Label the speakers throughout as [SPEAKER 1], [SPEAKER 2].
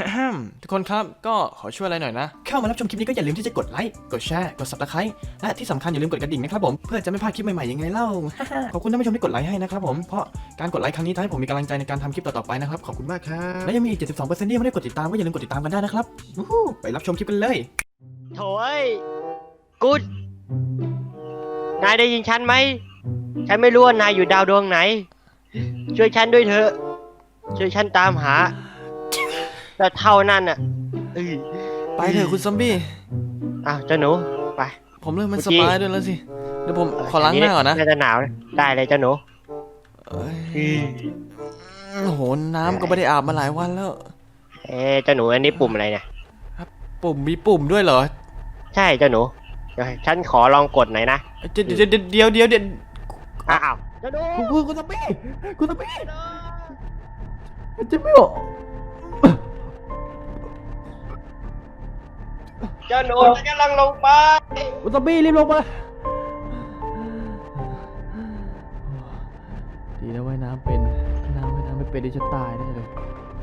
[SPEAKER 1] ทุกคนครับก็ขอช่วยอะไรหน่อยนะเข้ามารับชมคลิปนี้ก็อย่าลืมที่จะกดไลค์กดแชร์กด Subscribe และที่สำคัญอย่าลืมกดกระดิ่งนะครับผมเพื่อจะไม่พลาดคลิปใหม่ๆยังไงเล่า ขอบคุณท่านผู้ชมที่กดไลค์ให้นะครับผมเพราะการกดไลค์ครั้งนี้ทำให้ผมมีกำลังใจในการทำคลิปต่อๆไปนะครับขอบคุณมากครับและยังมีอีก 72% ที่ยังไม่ได้กดติดตามก็อย่าลืมกดติดตามกันได้นะครับไปรับชมคลิปกันเลย
[SPEAKER 2] โถ่เอ้ยกูดนายได้ยินฉันไหมฉันไม่รู้ว่านายอยู่ดาวดวงไหนช่วยฉันด้วยเถอะช่วยฉันตามหาแต่เท่านั้นอ่ะ
[SPEAKER 1] ไปเถอะคุณซอมบี้
[SPEAKER 2] อ้าวเจ้าหนูไป
[SPEAKER 1] ผมเริ่มไม่สบายด้วยแล้วสิเดี๋ยวผมขอล้างหน้าก่อนนะ
[SPEAKER 2] น่าจะหนาวได้เลยเจ้าหนู
[SPEAKER 1] โอ้โหน้ำก็ไม่ได้อาบมาหลายวันแล้ว
[SPEAKER 2] เจ้าหนูอันนี้ปุ่มอะไรเนี่ย
[SPEAKER 1] ปุ่มมีปุ่มด้วยเหรอ
[SPEAKER 2] ใช่เจ้าหนูเดี๋ยวฉันขอลองกดหน่อยนะ
[SPEAKER 1] เดี๋ยว
[SPEAKER 2] อ้าวเจ้าหนู
[SPEAKER 1] คุณซอมบี้จะไม่ออก
[SPEAKER 2] เจ้าหนูฉันกำลังลงไป
[SPEAKER 1] คุณซอมบี้รีบลงมาดีนะว่ายน้ำเป็นว่ายน้ำไม่เป็นดิฉันตายแน่เลย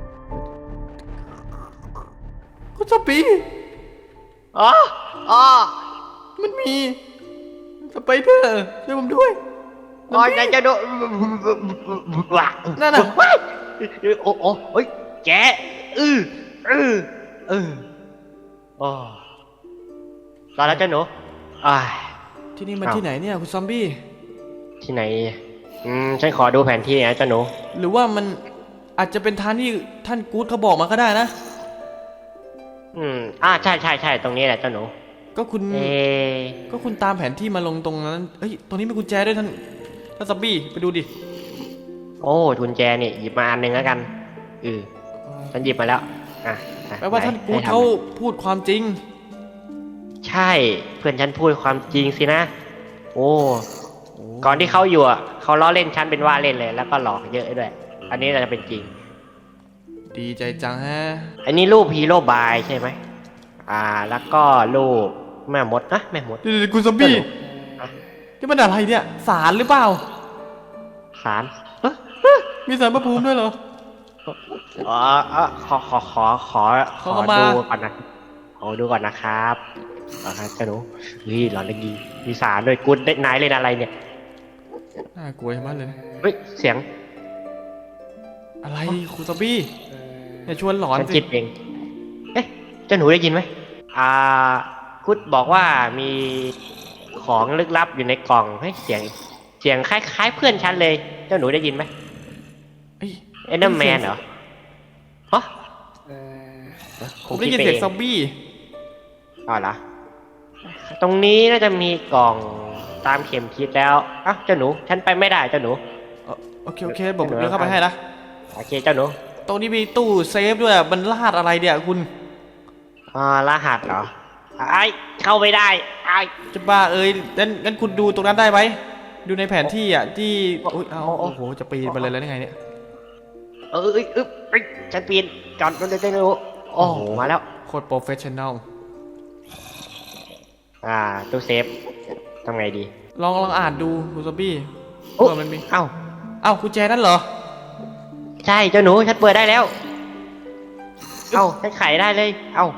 [SPEAKER 1] คุณซอมบี้มันมีสไปเดอร์ช่วยผมด้วย
[SPEAKER 2] นายเจ้าหนู
[SPEAKER 1] นั่นน่ะ
[SPEAKER 2] โอ้ยแกรอแล้วเจ้าหนู
[SPEAKER 1] ที่นี่มันที่ไหนเนี่ยคุณซอมบี้
[SPEAKER 2] ที่ไหนฉันขอดูแผนที่นะเจ้าหนู
[SPEAKER 1] หรือว่ามันอาจจะเป็นทางที่ท่านกู๊ดเขาบอกมาก็ได้นะ
[SPEAKER 2] ใช่ตรงนี้แหละเจ้าหนู
[SPEAKER 1] ก็คุณตามแผนที่มาลงตรงนั้นเฮ้ยตรงนี้มีกุญแจด้วยท่านซอมบี้ไปดูดิ
[SPEAKER 2] โอ้กุญแจนี่หยิบมาอันหนึ่งแล้วกันฉันหยิบมาแล้ว
[SPEAKER 1] แปลว่าท่านกู๊ดเขาพูดความจริง
[SPEAKER 2] ใช่เพื่อนฉันพูดความจริงสินะก่อนที่เขาอยู่เขาล้อเล่นฉันเป็นว่าเล่นเลยแล้วก็หลอกเยอะด้วยอันนี้จะเป็นจริง
[SPEAKER 1] ดีใจจังฮะ
[SPEAKER 2] อันนี้รูปฮีโร่บายใช่ไหมแล้วก็รูปแม่มดนะแม่มด
[SPEAKER 1] คุณซอมบี้นี่มันอะไรเนี่ยศาลหรือเปล่า
[SPEAKER 2] ศาล
[SPEAKER 1] มีศาลพระภูมิด้วยเหรอ
[SPEAKER 2] ขอดูก่อนนะขอดูก่อนนะครับเจ้าหนูหลอนเลยมีศาลด้วยกูได้นายเล่นอะไรเนี่ย
[SPEAKER 1] น่ากลัวมากเลย
[SPEAKER 2] เสียง
[SPEAKER 1] อะไรคุณซอมบี้อย่าชวนหลอนสิ
[SPEAKER 2] จิตเองเจ้าหนูได้ยินไหมกุดบอกว่ามีของลึกลับอยู่ในกล่องให้เสียงคล้ายๆเพื่อนฉันเลยเจ้าหนูได้ยินไหมเอ็นเดอร์แมนเหรอ
[SPEAKER 1] ผมได้ยินเสียงซอมบี้
[SPEAKER 2] เหรอตรงนี้น่าจะมีกล่องตามเข็มทิศแล้วเจ้าหนูฉันไปไม่ได้เจ้าหนู
[SPEAKER 1] โอเคผมเดินเข้าไปให้นะ
[SPEAKER 2] โอเคเจ้าหนู
[SPEAKER 1] ตรงนี้มีตู้เซฟด้วยมันรหัสอะไรเนี่ยคุณ
[SPEAKER 2] รหัสเหรอเข้าไม่ได้
[SPEAKER 1] จะบ้างั้นคุณดูตรงนั้นได้ไหมดูในแผนที่ที่โอ้โหจะปีนไปเลยแล้วยังไงเนี่ย
[SPEAKER 2] ฉันปีนก่อนมันจะได้รู้โอ้โหมาแล้ว
[SPEAKER 1] โคตรโปรเฟชชั่นแนล
[SPEAKER 2] ตู้เซฟทำไงดี
[SPEAKER 1] ลองอ่านดูคุณซอมบี้มันมีกุญแจนั่นเหรอ
[SPEAKER 2] ใช่เจ้าหนูฉันเปิดได้แล้วฉันไขได้เลย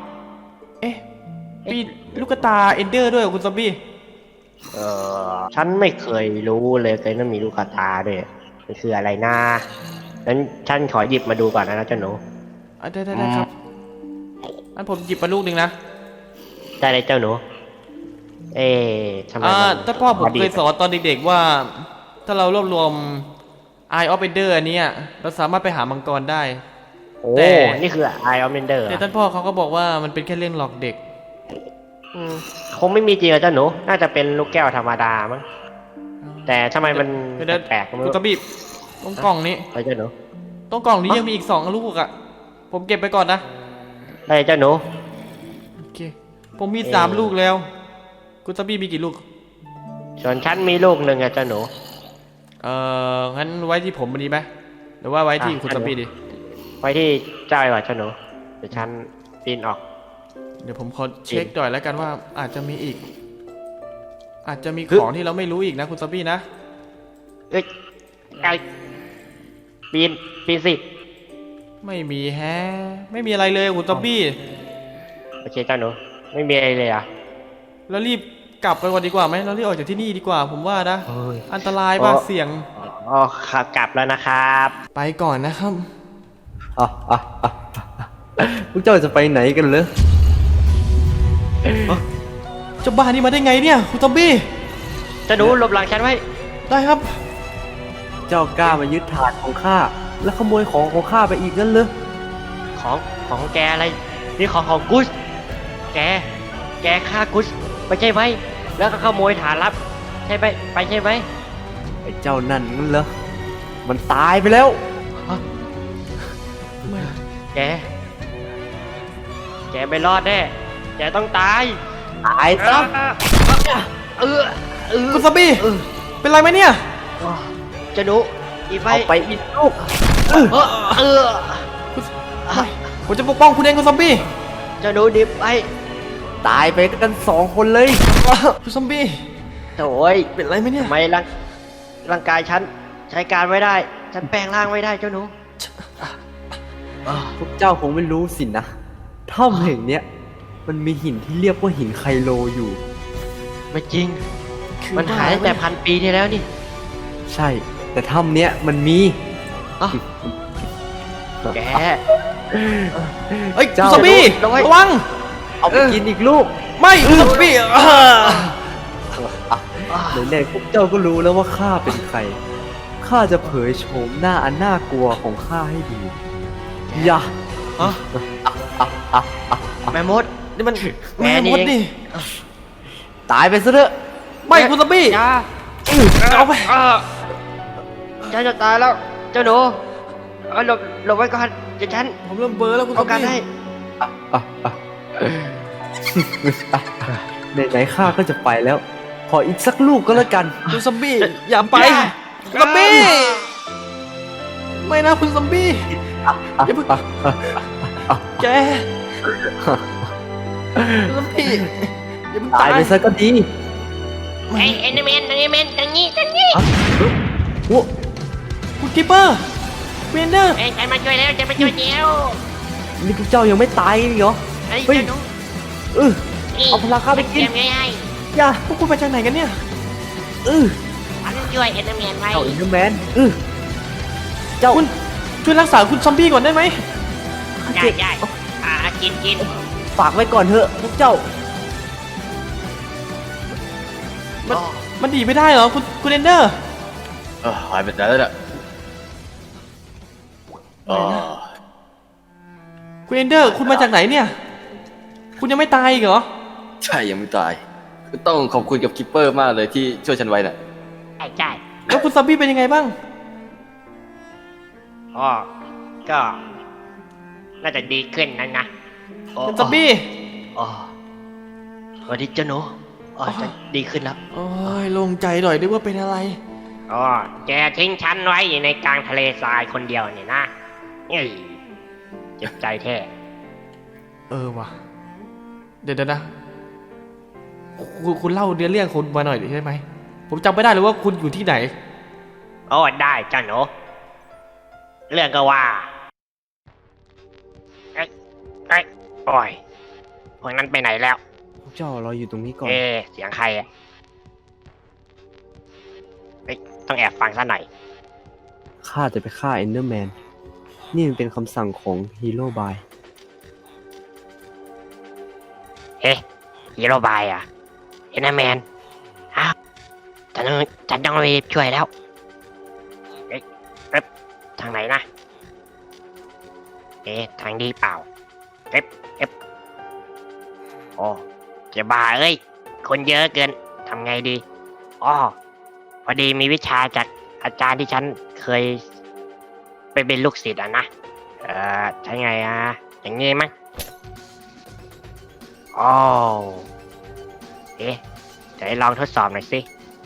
[SPEAKER 1] มีลูกตาเอนเดอร์ด้วยคุณซอมบี้
[SPEAKER 2] ฉันไม่เคยรู้เลยว่ามีลูกตาด้วยมันคืออะไรนะงั้นฉันขอหยิบมาดูก่อนนะเจ้าหนู
[SPEAKER 1] ได้ครับงั้นผมหยิบมาลูกหนึ่งนะ
[SPEAKER 2] ได้เลยเจ้าหนูทำไม
[SPEAKER 1] ถ้าพ่อผมเคยสอนตอนเด็กๆว่าถ้าเรารวบรวม Eye of Ender อันนี้เราสามารถไปหามังกรได้
[SPEAKER 2] แต่นี่คือ Eye of Ender
[SPEAKER 1] แต่ท่านพ่อเขาก็บอกว่ามันเป็นแค่เรื่องหลอกเด็ก
[SPEAKER 2] คงไม่มีจริงเจ้าหนูน่าจะเป็นลูกแก้วธรรมดามั้งแต่ทำไมมันแปลก
[SPEAKER 1] คุณตะบีบตรงกล่องนี้
[SPEAKER 2] เจ้าหนู
[SPEAKER 1] ตรงกล่องนี้ยังมีอีก2 ลูกผมเก็บไปก่อนนะ
[SPEAKER 2] ได้เจ้าหนู
[SPEAKER 1] โอเคผมมี3 ลูกแล้วคุณตะบีมีกี่ลูก
[SPEAKER 2] ส่วนฉันมีลูกหนึ่งเจ้าหนู
[SPEAKER 1] งั้นไว้ที่ผมดีไหมหรือว่าไว้ที่คุณตะบีดี
[SPEAKER 2] ไว้ที่เจ้าดีกว่าเจ้าหนูเดี๋ยวฉันปีนออก
[SPEAKER 1] เดี๋ยวผมขอเช็คหน่อยแล้วกันว่าอาจจะมีอีกอาจจะมีของที่เราไม่รู้อีกนะคุณซอมบี้นะ
[SPEAKER 2] ปีนสิ
[SPEAKER 1] ไม่มีแฮะไม่มีอะไรเลยคุณซอมบี้
[SPEAKER 2] โอเคเจ้าหนูไม่มีอะไรเลยอ่ะ
[SPEAKER 1] แล้วรีบกลับไปก่อนดีกว่าไหมเรารีบออกจากที่นี่ดีกว่าผมว่านะ
[SPEAKER 2] เฮ้ย
[SPEAKER 1] อันตรายมากเสี่ยง
[SPEAKER 2] อ๋อครับกลับแล้วนะครับ
[SPEAKER 1] ไปก่อนนะครับ
[SPEAKER 3] อ่ะอ่ะอ่ะพวกเจ้าจะไปไหนกันเหรอ
[SPEAKER 1] เจ้าบ้านนี่มาได้ไงเนี่ยคุณซอมบี้
[SPEAKER 2] เจ้าหนูหลบหลังฉันไว้
[SPEAKER 1] ได้ครับ
[SPEAKER 3] เจ้ากล้ามายึดถาดของข้าแล้วขโมยของของข้าไปอีกงั้นเหรอ
[SPEAKER 2] ของแกอะไรนี่ของกุสแกฆ่ากุสไปใช่ไหมแล้วก็ขโมยฐานลับใช่ไหมไปใช่ไหม
[SPEAKER 3] ไอ้เจ้านั่นงั้นเหรอมันตายไปแล้ว
[SPEAKER 2] แกไม่รอดแน่แกต้องตาย
[SPEAKER 3] ตายซะ
[SPEAKER 2] เออ
[SPEAKER 1] คุณซอมบี้ เป็นไรไหมเนี่ย
[SPEAKER 2] เจ้าหนูอีไฟ
[SPEAKER 3] เอาไปอีกลูก
[SPEAKER 2] เออ
[SPEAKER 1] ไม่ผมจะปกป้องคุณเองคุณซอมบี้
[SPEAKER 2] เจ้าหนูดิบไป
[SPEAKER 3] ตายไปกัน2 คนเลย
[SPEAKER 1] คุณซอมบี้
[SPEAKER 2] โถ่ย
[SPEAKER 1] เป็นไรไหมเนี่ย
[SPEAKER 2] ทำไมร่างกายฉันใช้การไม่ได้ ฉันแปลงร่างไม่ได้เจ้าหนู
[SPEAKER 3] พวกเจ้าคงไม่รู้สินะถ้ำแห่งเนี้ยมันมีหินที่เรียกว่าหินไคโลอยู่
[SPEAKER 2] ไม่จริง
[SPEAKER 1] คือ
[SPEAKER 2] มันหายตั้งแต่พันปีที่แล้วนี่
[SPEAKER 3] ใช่ แต่ถ้ำเนี้ยมันมี
[SPEAKER 2] อ้าวแก
[SPEAKER 1] เอ้ยคุณ
[SPEAKER 3] เจ้า
[SPEAKER 1] ซอมบี้
[SPEAKER 2] ระวัง
[SPEAKER 1] ระวัง
[SPEAKER 3] เอาไปกินอีกลูก
[SPEAKER 1] ไม่คุณซอมบี้
[SPEAKER 3] ไหนๆพวกเจ้าก็รู้แล้วว่าข้าเป็นใคร ข้าจะเผยโฉมหน้าอันน่ากลัวของข้าให้ดูอย่า
[SPEAKER 2] ฮะแม่มด
[SPEAKER 1] นี่มัน
[SPEAKER 2] แม่
[SPEAKER 1] แม่
[SPEAKER 2] นี่
[SPEAKER 1] มดนี่
[SPEAKER 3] ตายไปซะเถอะ
[SPEAKER 1] ไม่คุณซอมบี้
[SPEAKER 2] อย่า
[SPEAKER 1] เอาไป
[SPEAKER 2] ฉันจะตายแล้ว เจ้าหนูเอาหลบไว้ก่อนเดี๋ยวฉัน
[SPEAKER 1] ผมเริ่มเบลอแล้วคุณซ
[SPEAKER 2] เอา
[SPEAKER 1] อม
[SPEAKER 2] กัน
[SPEAKER 1] บี้
[SPEAKER 2] ให้
[SPEAKER 3] ไหนๆข้าก็จะไปแล้ว ขออีกสักลูกก็แล้วกัน
[SPEAKER 1] คุณซอมบี้อย่าไปคุณซอมบี้ไม่นะคุณซอมบี้อย่าเพิ่งแกคุณซอมบี้อย่าเพิ่ง
[SPEAKER 3] ตา
[SPEAKER 1] ตาย ย
[SPEAKER 3] ไปซะก็ดี
[SPEAKER 2] ไอ้เอนเมนตรงนี้
[SPEAKER 3] โอ้
[SPEAKER 1] คุณกิปเปอร์เวนเดอร์
[SPEAKER 2] เอ้ยฉันมาช่วยแล้วฉันมาช่วยเดียว
[SPEAKER 3] นี่พวกเจ้ายังไม่ตายอีกเหรอ
[SPEAKER 2] ไอ้
[SPEAKER 3] เฮ้ย
[SPEAKER 2] เจ้าหนู
[SPEAKER 3] เอาพลังข้าไปกิน
[SPEAKER 2] เตรียมไว้ให้
[SPEAKER 3] อย่า
[SPEAKER 1] พวกคุณมาจากไหนกันเนี่ย
[SPEAKER 2] ฉันช่วยเอนเมนไว้
[SPEAKER 3] เจ้าอินเดอร์แมนเจ้า
[SPEAKER 1] คุณช่วยรักษาคุณซอมบี้ก่อนได้ไหม
[SPEAKER 2] ได้กิน
[SPEAKER 3] ฝากไว้ก่อนเถอะพวกเจ้า
[SPEAKER 1] มันดีไม่ได้เหรอคุณเรนเดอร์
[SPEAKER 4] หายไปไหนแล้วเนี่ยเออ
[SPEAKER 1] คุณเรนเดอร์คุณมาจากไหนเนี่ย คุณยังไม่ตายอีกเหรอ
[SPEAKER 4] ใช่ยังไม่ตายต้องขอบคุณกับคิปเปอร์มากเลยที่ช่วยฉันไว้น่ะ
[SPEAKER 2] ใช่
[SPEAKER 1] แล้วคุณซอมบี้เป็นยังไงบ้าง
[SPEAKER 2] อ๋อก็ น่าจะดีขึ้นนะโอ้
[SPEAKER 1] คุณซอมบี้
[SPEAKER 2] อ๋อสวัสดีเจ้าหนูอ๋อจะดีขึ้นแล้ว
[SPEAKER 1] โอ้ยโล่งใจหน่อยนึกว่าเป็นอะไร
[SPEAKER 2] อ๋อแกทิ้งฉันไว้อยู่ในกลางทะเลทรายคนเดียวนี่นะเอ้ยเจ็บใจแท้
[SPEAKER 1] เออว่ะเดี๋ยวนะคุณเล่าเรื่องคุณมาหน่อยได้ไหมผมจำไม่ได้เลยว่าคุณอยู่ที่ไหน
[SPEAKER 2] โอ้ได้เจ้าหนูเรื่องก็ว่าเอ้ยโอ้ยพวกนั้นไปไหนแล้ว
[SPEAKER 3] พวกเจ้ารออยู่ตรงนี้ก่อน
[SPEAKER 2] เสียงใครอ่ะเอ้ยต้องแอบฟังซะหน่อย
[SPEAKER 3] ข้าจะไปฆ่าเอนเดอร์แมน นี่มันเป็นคำสั่งของฮีโร่บาย
[SPEAKER 2] เฮ้ฮีโร่บายอ่ะเอนเดอร์แมนอ้าวฉันต้องรีบช่วยแล้วเอ๊ะทางไหนนะทางดีเปล่าโอ้เจ้าบ้าเอ้ยคนเยอะเกินทำไงดีอ๋อพอดีมีวิชาจากอาจารย์ที่ฉันเคยไปเป็นลูกศิษย์อ่ะนะใช่ไงอย่างงี้มั้งอ๋อเดี๋ยวลองทดสอบหน่อยสิ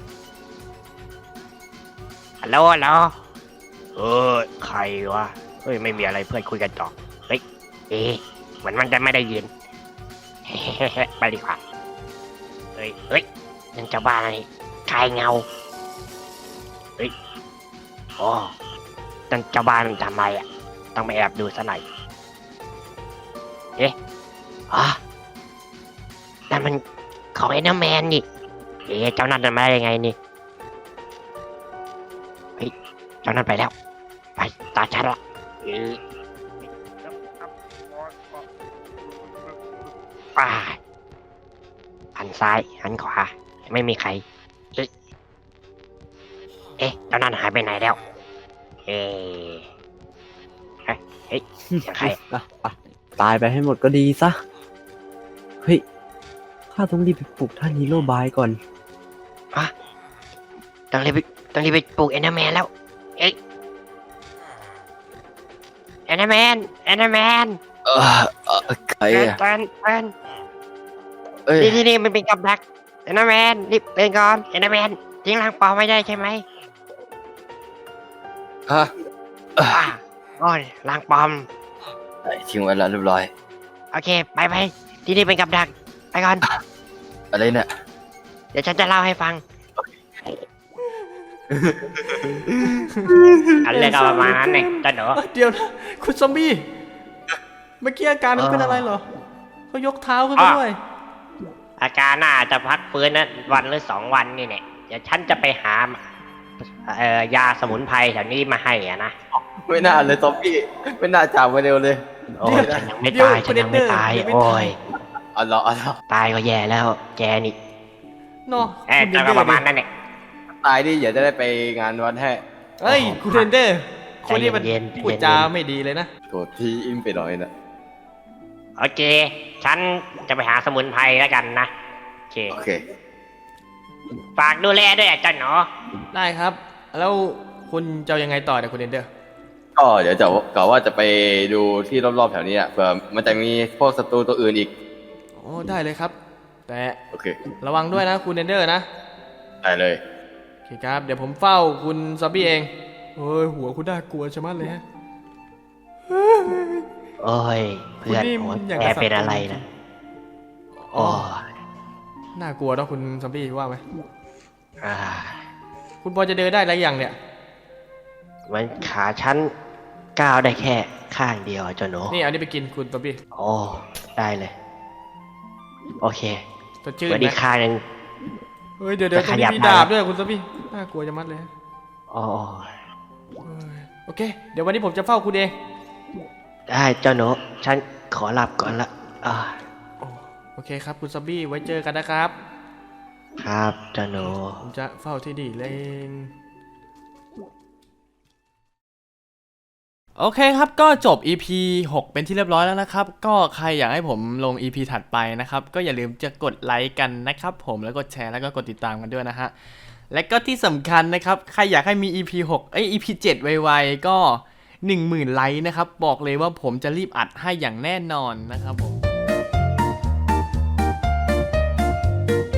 [SPEAKER 2] ฮัลโหลใครวะเฮ้ยไม่มีอะไรเพื่อนคุยกันต่อเฮ้ยเหมือนมันจะไม่ได้ยิน ไปดีกว่าเฮ้ยนั่นจะบ้าอะไรชายเงาเฮ้ยอ๋อนั่นจะบ้ามันทำไมอ่ะต้องไปแอบดูซะหน่อยเอ๊ะอ๋อนั่นมันของเอ็นเดอร์แมนนี่เอ๊ะเจ้านั่นมาได้ยังไงนี่เฮ้ยเจ้านั่นไปแล้วไปตาฉันละป้าหันซ้ายหันขวาไม่มีใครเอ๊ะเจ้านั่นหายไปไหนแล้วเอ๊ะเฮ้ยเสียงใคร
[SPEAKER 3] ตายไปให้หมดก็ดีซะ เฮ้ย ข้าต้องรีบไปปลุกท่านฮีโร่บายก่อน
[SPEAKER 2] ต้องรีบไปปลูกเอนเดอร์แมนแล้วเอ๊ะเอนเดอร์แมน
[SPEAKER 4] ใครอะ
[SPEAKER 2] แฟน
[SPEAKER 4] เอ้ย
[SPEAKER 2] นี่มันเป็นกับดักเอนเดอร์แมนรีบเป็นก่อนเอนเดอร์แมนทิ้งร่างปลอมไม่ได้ใช่ไหม
[SPEAKER 4] ฮะ
[SPEAKER 2] โอ้ยร่างปลอม
[SPEAKER 4] ทิ้งไว้แล้วเรียบร้อย
[SPEAKER 2] โอเคไปที่นี่เป็นกับดักไปก่อน
[SPEAKER 4] อะไรเนี่ย
[SPEAKER 2] เดี๋ยวฉันจะเล่าให้ฟังอันเรื่องก็ประมาณนั้นเองจ้าหนู
[SPEAKER 1] เดี๋ยวนะคุณซอมบี้เมื่อกี้อาการมันเป็นอะไรเหรอเขายกเท้าขึ้นมาด้วย
[SPEAKER 2] อาการน่าจะพักฟื้นนะวันหรือ2 วันนี่เนี่ยเดี๋ยวฉันจะไปหายาสมุนไพรแถวนี้มาให้อ่ะนะ
[SPEAKER 4] ไม่น่าเลยซอมบี้ไม่น่าจากมาเร็วเลย
[SPEAKER 2] โอ้ยฉันยังไม่ตายโอ้ย
[SPEAKER 4] เอาละ
[SPEAKER 2] ตายก็แย่แล้วแกนี่
[SPEAKER 1] เนาะ
[SPEAKER 2] แต่ก็ประมาณนั้นเนี่ย
[SPEAKER 4] ตายดิอย่าจะได้ไปงานวันให้
[SPEAKER 1] เฮ้ยคุณเรนเดอร์คนนี้มัน
[SPEAKER 2] เย็น
[SPEAKER 1] พูดจาไม่ดีเลยนะ
[SPEAKER 4] โกรธที่อิ่มไปหน่อยนะ
[SPEAKER 2] โอเคฉันจะไปหาสมุนไพรแล้วกันนะโอเค
[SPEAKER 4] โอเค
[SPEAKER 2] ฝากดูแลด้วยอ่ะจ้าหนู
[SPEAKER 1] ได้ครับ แล้วคุณจะเอายังไงต่อเนี่ยคุณเรนเดอร์
[SPEAKER 4] ก็เดี๋ยวจะกะว่าจะไปดูที่รอบๆแถวนี้อ่ะเผื่อมันจะมีพวกศัตรูตัวอื่นอีก
[SPEAKER 1] โอ้ได้เลยครับ แต่
[SPEAKER 4] โอเค
[SPEAKER 1] ระวังด้วยนะคุณเรนเดอร์นะ
[SPEAKER 4] ได้เลย
[SPEAKER 1] โอเคครับเดี๋ยวผมเฝ้าคุณซอมบี้เองเฮ้ยหัวคุณน่ากลัวชะมัดเลยฮะ
[SPEAKER 2] โอ้ยเพื่อน
[SPEAKER 1] คุณนี่
[SPEAKER 2] โอ้ย
[SPEAKER 1] อย่าง
[SPEAKER 2] แก
[SPEAKER 1] กับสัตว์
[SPEAKER 2] เป็นอะไรนะโอ้ย
[SPEAKER 1] น่ากลัวเนอะคุณซอมบี้ว่าไหม
[SPEAKER 2] อ่า
[SPEAKER 1] คุณพอจะเดินได้หรือยังเนี่ย
[SPEAKER 2] มันขาฉันก้าวได้แค่ข้างเดียวจ้าหนู
[SPEAKER 1] นี่เอานี่ไปกินคุณซอมบี้
[SPEAKER 2] โอ้ได้เลยโอเค
[SPEAKER 1] สดชื่น
[SPEAKER 2] เดี๋ยวอี
[SPEAKER 1] นะ
[SPEAKER 2] กข้างหนึ่ง
[SPEAKER 1] เฮ้ยเดี๋ยวตรง
[SPEAKER 2] ข
[SPEAKER 1] นี้
[SPEAKER 2] ยับ
[SPEAKER 1] มี
[SPEAKER 2] มา
[SPEAKER 1] ดาบด้วยคุณซอมบี้น่ากลัวชะมัดเลยฮะ
[SPEAKER 2] โอ้
[SPEAKER 1] เฮ้ยโอเค เดี๋ยววันนี้ผมจะเฝ้าคุณเอง
[SPEAKER 2] ได้เจ้าหนูฉันขอหลับก่อนละอ่า
[SPEAKER 1] โอเคครับคุณซอมบี้ไว้เจอกันนะครับ
[SPEAKER 2] ครับเจ้าหนู
[SPEAKER 1] ผมจะเฝ้าที่ดีเลยเองโอเคครับก็จบ EP 6 เป็นที่เรียบร้อยแล้วนะครับก็ใครอยากให้ผมลง EP ถัดไปนะครับก็อย่าลืมจะกดไลค์กันนะครับผมแล้วกดแชร์แล้วก็กดติดตามกันด้วยนะฮะและก็ที่สำคัญนะครับใครอยากให้มี EP 6 EP 7 ไวๆก็ 10,000 ไลค์นะครับบอกเลยว่าผมจะรีบอัดให้อย่างแน่นอนนะครับผม